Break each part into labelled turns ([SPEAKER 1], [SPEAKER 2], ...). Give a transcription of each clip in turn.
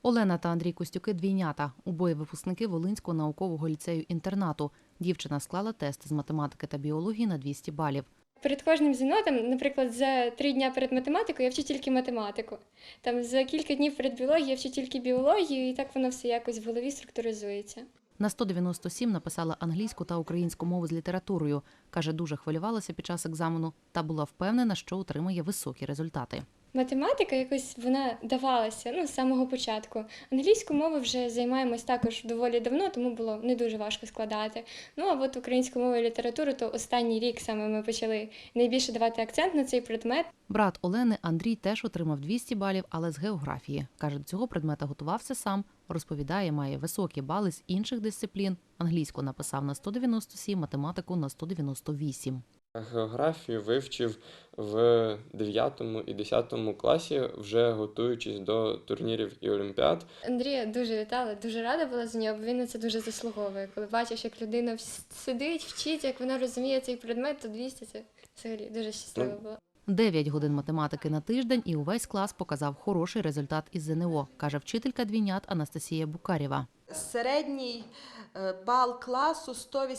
[SPEAKER 1] Олена та Андрій Костюки – двійнята. Обоє випускники Волинського наукового ліцею-інтернату. Дівчина склала тест з математики та біології на 200 балів.
[SPEAKER 2] Перед кожним ЗНО, наприклад, за 3 дні перед математикою я вчу тільки математику. За кілька днів перед біологією я вчу тільки біологію, і так воно все якось в голові структуризується.
[SPEAKER 1] На 197 написала англійську та українську мову з літературою. Каже, дуже хвилювалася під час екзамену та була впевнена, що отримає високі результати.
[SPEAKER 2] Математика якось вона давалася з самого початку. Англійську мову вже займаємось також доволі давно, тому було не дуже важко складати. А от українську мову і літературу, то останній рік саме ми почали найбільше давати акцент на цей предмет.
[SPEAKER 1] Брат Олени Андрій теж отримав 200 балів, але з географії. Каже, до цього предмета готувався сам. Розповідає, має високі бали з інших дисциплін. Англійську написав на 197, математику на 198.
[SPEAKER 3] Географію вивчив в 9 і 10 класі, вже готуючись до турнірів і олімпіад.
[SPEAKER 2] Андрія дуже вітала, дуже рада була за нього, бо він на це дуже заслуговує. Коли бачиш, як людина сидить, вчить, як вона розуміє цей предмет, то 200 – це взагалі дуже щаслива була.
[SPEAKER 1] 9 годин математики на тиждень і увесь клас показав хороший результат із ЗНО, каже вчителька двійнят Анастасія Букарєва.
[SPEAKER 4] Середній бал класу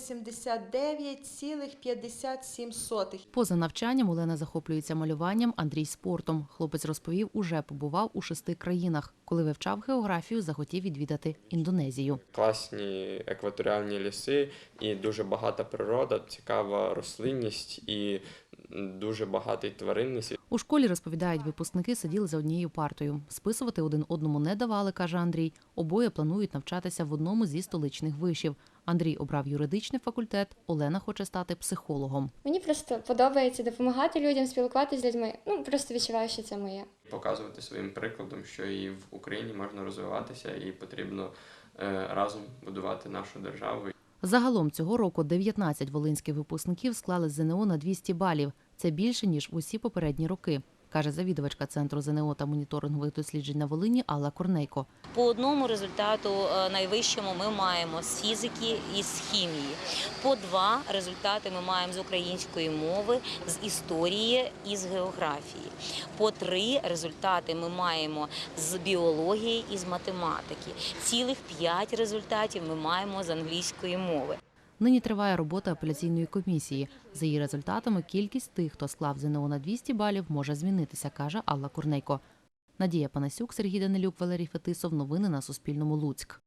[SPEAKER 4] 189,57.
[SPEAKER 1] Поза навчанням Олена захоплюється малюванням, Андрій – спортом. Хлопець розповів, уже побував у 6 країнах. Коли вивчав географію, захотів відвідати Індонезію.
[SPEAKER 3] Класні екваторіальні ліси і дуже багата природа, цікава рослинність і дуже багатий тваринний світ.
[SPEAKER 1] У школі, розповідають випускники, сиділи за однією партою. Списувати один одному не давали, каже Андрій. Обоє планують навчатися в одному зі столичних вишів. Андрій обрав юридичний факультет, Олена хоче стати психологом.
[SPEAKER 2] Мені просто подобається допомагати людям, спілкуватися з людьми. Просто відчуваю, що це моє.
[SPEAKER 3] Показувати своїм прикладом, що і в Україні можна розвиватися, і потрібно разом будувати нашу державу.
[SPEAKER 1] Загалом цього року 19 волинських випускників склали ЗНО на 200 балів. Це більше, ніж усі попередні роки, каже завідувачка Центру ЗНО та моніторингових досліджень на Волині Алла Корнейко.
[SPEAKER 5] По одному результату найвищому ми маємо з фізики і з хімії. По 2 результати ми маємо з української мови, з історії і з географії. По 3 результати ми маємо з біології і з математики. Цілих 5 результатів ми маємо з англійської мови.
[SPEAKER 1] Нині триває робота апеляційної комісії. За її результатами кількість тих, хто склав ЗНО на 200 балів, може змінитися, каже Алла Корнейко. Надія Панасюк, Сергій Данилюк, Валерій Фетисов. Новини на Суспільному. Луцьк.